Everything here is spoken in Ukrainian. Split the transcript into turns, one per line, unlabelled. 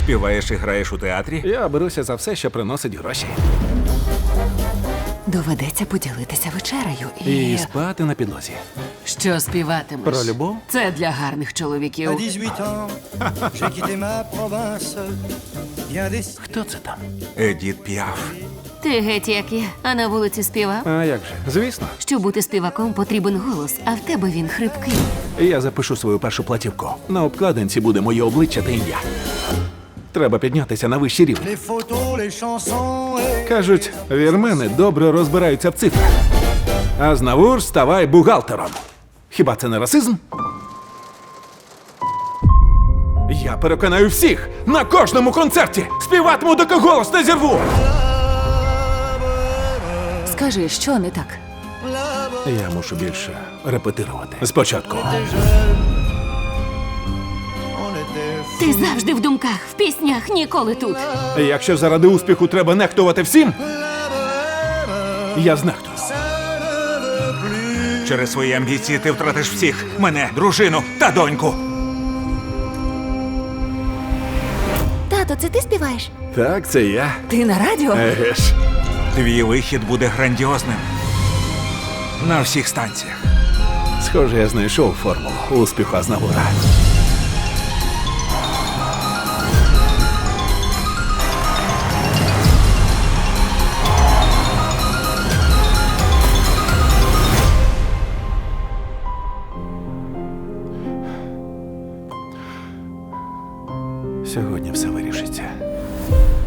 Співаєш і граєш у театрі?
Я беруся за все, що приносить гроші.
Доведеться поділитися вечерею
І спати на підлозі.
Що співатимеш?
Про любов?
Це для гарних
À
чоловіків.
18 ans, j'ai quitté ma province. Bien des...
Хто це там?
Едіт Піаф.
Ти геть як я, а на вулиці співав.
А як же? Звісно.
Щоб бути співаком, потрібен голос, а в тебе він хрипкий.
Я запишу свою першу платівку. На обкладинці буде моє обличчя та ім'я. Треба піднятися на вищий рівень.
Les photos, les chansons et...
Кажуть, вірмени добре розбираються в цифрах. А знавур ставай бухгалтером. Хіба це не расизм? Я переконаю всіх на кожному концерті. Співатиму, доки голос не зірву.
Скажи, що не так?
Я мушу більше репетирувати. Спочатку.
On était...
Ти завжди в думках, в піснях, ніколи тут.
Якщо заради успіху треба нехтувати всім, я знехтую.
Через свої амбіції ти втратиш всіх. Мене, дружину та доньку.
Тато, це ти співаєш?
Так, це я.
Ти на радіо?
Еге ж.
Твій вихід буде грандіозним. На всіх станціях.
Схоже, я знайшов формулу успіху Азнавура. Сьогодні все вирішиться.